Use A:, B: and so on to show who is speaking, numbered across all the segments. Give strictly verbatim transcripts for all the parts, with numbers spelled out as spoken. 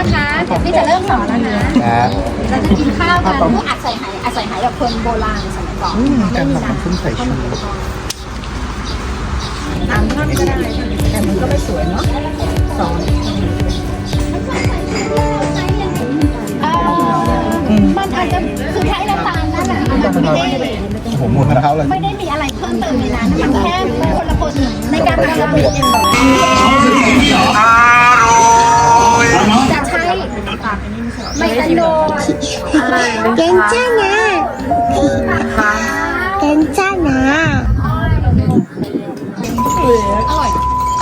A: นะคะเดี๋ยวพี่จะเริ่มสอนแล้วนะเราจะกินข้าวกันเพื่ออัดใส่ไหอัดใส่ไหแบบคนโบราณสมัยก่อนไม่มีนะใส่ชูตามท่อนก็ได้แต่มันก็ไม่สวยเนาะสอนมันอาจจะคือใช้น้ำตาลนั่นแหละมันไม่ได้
B: ผมหมดแล้วเลย
A: ไม่ได้มีอะไรเพิ่มเติมในนั้นมันแค่คนละคนในการทำระเบียบจะใช้ไมตันโด
C: เก่งจ้านะเก่งจ้านะ
A: อร่อย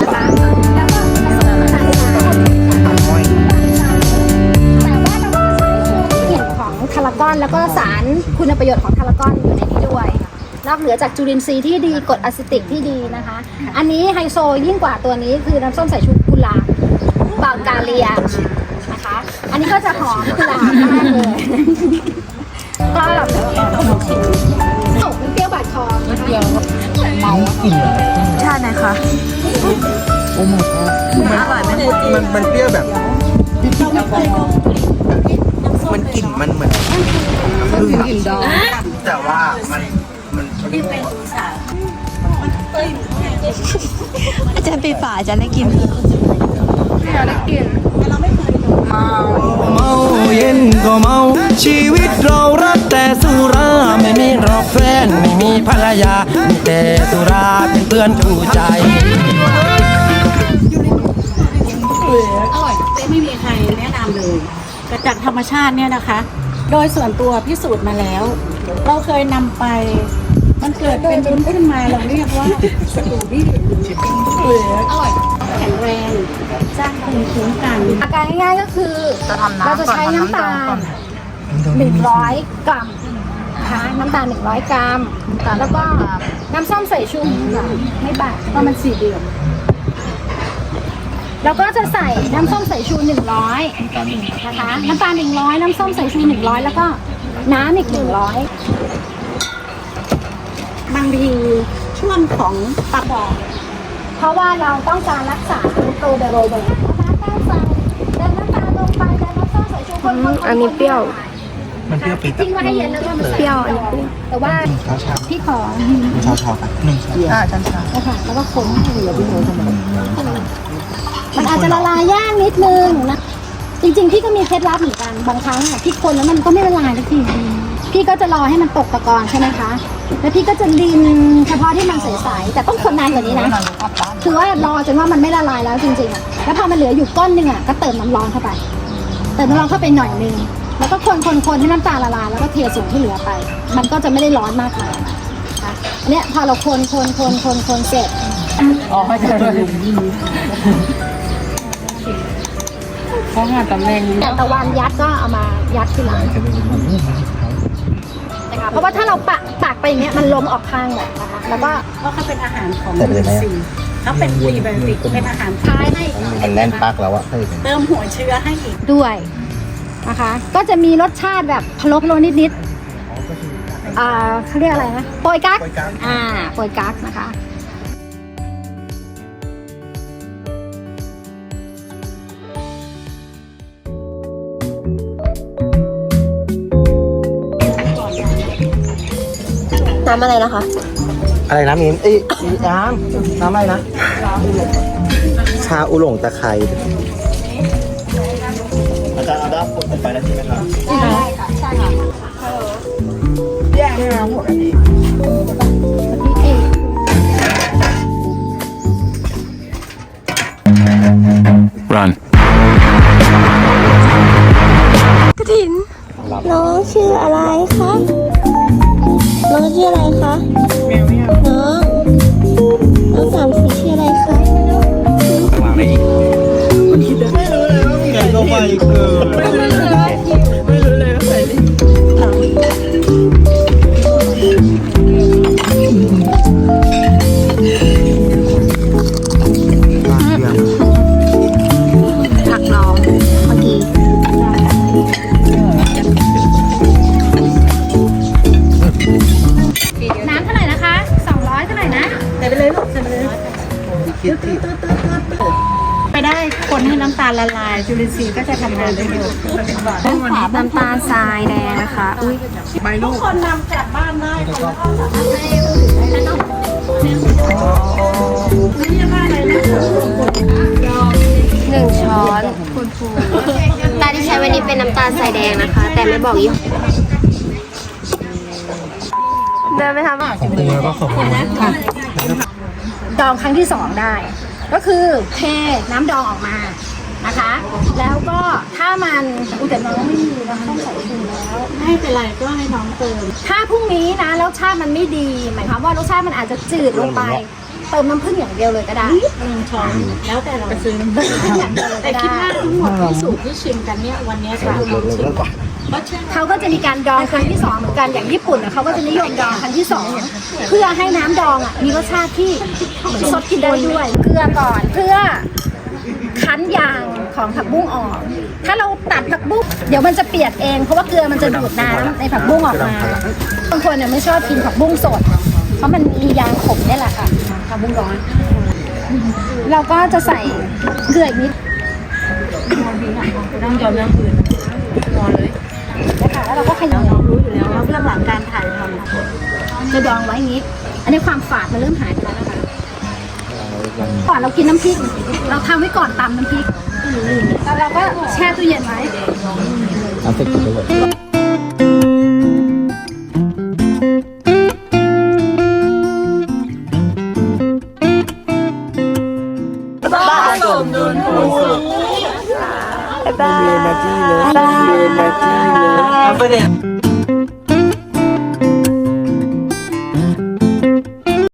A: ทารากอนแล้วก็สารคุณประโยชน์ของทารากอนอยู่ในนี้ด้วยนอกเหนือจากจุลินทรีย์ที่ดีกรดอะซิติกที่ดีนะคะอันนี้ไฮโซยิ่งกว่าตัวนี้คือน้ำส้มสายชูกุหลาบบาลกาเลียนะคะอันนี้ก็จะหอมกุหลาบมากเลยก็แบบเปรี้ยวบาดคอเปรี้ยวเมากลิ่น
C: ชาติไหนคะ
B: โอ้my god
C: มันอร่อยไหม
B: มันมันเปรี้ยวแบบมันกลิ่นมันเหมือนพึ่งกลิ่นดองแต่ว่ามันมัน
C: อาจารย์ปีฝาอาจารย์ได้กินได้กินเมา
D: เมาเย็นก็เมาชีวิตเรารักแต่สุราไม่มีรอกแฟนไม่มีภรรยามีแต่สุราเป็นเพื่อนคู่ใจ
E: อร่อยไม่มีใครแนะนำเลยแต่จากธรรมชาติเนี่ยนะคะโดยส่วนตัวพิสูจน์มาแล้วเราเคยนำไปมันเกิดเป็นวุ้นขึ้นมาเราเรียกว่าสตูบี้อร่อยแข็งแรงสร้างภูมิคุ้มกัน
A: อาการง่ายๆก็คือเราจะใช้น้ำตาลหนึ่งร้อยกรัมนะคะน้ำตาลหนึ่งร้อยกรัมแล้วก็น้ำส้มสายชูไม่บาดเพราะมันสี่เดือนแล้วก็จะใส่น้ำส้มสายชูหนึ่งร้อยนะคะน้ำตาลหนึ่งร้อยน้ำส้มสายชูหนึ่งร้อยแล้วก็น้ำอีกหนึ่งร้อย
E: บางทีช่วงของตาบอด
A: เพราะว่าเราต้องการรักษาโตเดโรเบอร์นะคะการใส่เดินน้ำตาลลงไปเดินน้ำส้มสายชูคนๆ
C: อันนี้เปรี้ยว
B: มันเปรี้ยวปี๊ด
A: ทิ้งไว้ให้เย็นแล้วก็มัน
C: เปรี้ยวอันนี้เปรี้ยว
A: แต่ว่าพี่ขอ
B: ชาชาหนึ่งอ่าชันชา
A: ค่ะแล้วก็คนมันอาจจะละลายยากนิดนึงนะจริงๆพี่ก็มีเคล็ดลับเหมือนกันบางครั้งอ่ะพี่คนแล้วมันก็ไม่ละลายสักทีพี่ก็จะรอให้มันตกตะกอนใช่ไหมคะแล้วพี่ก็จะดินเฉพาะที่มันใสๆแต่ต้องคนนานกว่านี้นะคือว่ารอจนว่ามันไม่ละลายแล้วจริงๆอ่ะแล้วพอมันเหลืออยู่ก้อนหนึ่งอ่ะก็เติมน้ำร้อนเข้าไปเติมน้ำร้อนเข้าไปหน่อยนึงแล้วก็คนคนคนให้น้ำตาลละลายแล้วก็เทส่วนที่เหลือไปมันก็จะไม่ได้ร้อนมากมายนะคะเนี่ยพอเราคนคนคนคนคนเสร็จ
C: อ๋อไม่ใช่เพราะงานตำแหน่ง
A: อย่างตะวันยัดก็เอามายัดทีหลังนะคะเพราะว่าถ้าเราปักปักไปอย่างเงี้ยมันล้มออกข้างเลยนะคะแล้วก็
E: เพราะเขาเป็นอาหารของซีเขาเป็นพรีไบโอติกเป็นอาหาร
A: ท้ายให้
B: มันแน่นปักแล้วอะ
E: เติมหัวเชื้อให้อีก
A: ด้วยนะคะก็จะมีรสชาติแบบพะโล้พะโล้นิดๆอ่าเขาเรียกอะไรนะโปยกั๊กอ่าโปยกั๊กนะคะ
C: น้ำอะไรนะคะ
B: อะไรนะมีนเอ้ยน้ำน้ำอะไรนะชาอุหลงตะไคร้อาจารย์เอาด้ามกดไปแล้วใช่ไหมครับ
A: ใช่ค่ะใช่ค่ะแยกให้เราหมดอันนี้
D: รัน
C: กระถินน้องชื่ออะไรคะน้องชื่ออะไรคะน้องน้องสามสีชื่ออะไรคะ
D: มาอะไรอีก
B: ไม่รู้เลยว่ามีใครเข้าไปเกินไม่รู้เลยไม่รู้เลยว่าใครเล่น
C: ผักน้องเมื่อกี้
A: น้ำเท่าไหร่นะคะสองร้อยเท่าไหร่นะ
E: ใส่ไปเลยลูกใส่ไปเลยไปได้คนให้น้ำตาลการละลายจุลินทรีย์ก็จะทำงานได้เร็ว
C: น้ำตาลทรายแดงนะคะ อุ้ย
E: ทุกคนนำกลับบ้านได้คนละไม่ใช่ว่าอะไรนะ
C: หนึ่งช้อนคุณครูตาที่ใช้วันนี้เป็นน้ำตาลทรายแดงนะคะ แต่ไม่บอกยี่ห้อเดินไปทำ
B: ของคุณแล้วก็ขอบคุณนะ
A: ดองครั้งที่สองได้ ก็คือเทน้ำดองออกมานะคะ แล้วก็ถ้ามันอุยแต่น้องไม่มีเราต้องใส่ถุงแล้ว
E: ไม่เป็นไรก็ให้น้องเติม
A: ถ้าพรุ่งนี้นะรสชาติมันไม่ดี หมายความว่ารสชาติมันอาจจะจืดลงไป เติมน้ำผึ้งอย่างเดียวเลยก็ได้
E: หนึ่งช้อนแล้วแต่เราไปซื้อ
A: เติมน้ำผึ้งอย่างเดียวเลย
E: แต่
A: ก็
E: คิด
A: ได้
E: ว่าทั้งหมดที่สูตรที่ชิมกันเนี่ยวันนี้จะลองชิมเพราะเชื่อ
A: เขาก็จะมีการดองครั้งที่สองเหมือนกันอย่างญี่ปุ่นน่ะเขาก็จะนิยมดองครั้งที่สองเพื่อให้น้ำดองอ่ะมีรสชาติที่เหมือนซดกินได้ด้วย เกลือก่อนเพื่อคั้นยางของผักบุ้งออก ถ้าเราตัดผักบุ้งเดี๋ยวมันจะเปียกเองเพราะว่าเกลือมันจะดูดน้ำในผักบุ้งออกมาบางคนเนี่ยไม่ชอบกินผักบุ้งสด เพราะมันมียางขมนี่แหละค่ะผักบุ้งร้อนเราก็จะใส่เกลืออีกนิด
E: ต้องยอมน้ำอื่นนอนเลย
A: นะคะแล้วเราก็ขยำ
E: น้องรู้อยู่แล้วว่าเบื้องหลังการถ่ายทำ
A: จะดองไว้อย่างนี้ อันนี้ความฝาดมันเริ่มหายไปแล้วนะคะก่อนเรากินน้ำพริก เราทำไว้ก่อนตำน้ำพริกแล้วเราก็แช่ตู้เย็นไว้
B: น้ำติดไปหมด
C: บ๊ายบาย
B: เรียนนาทีเลยเรียนนาทีเลยเอาไปเด็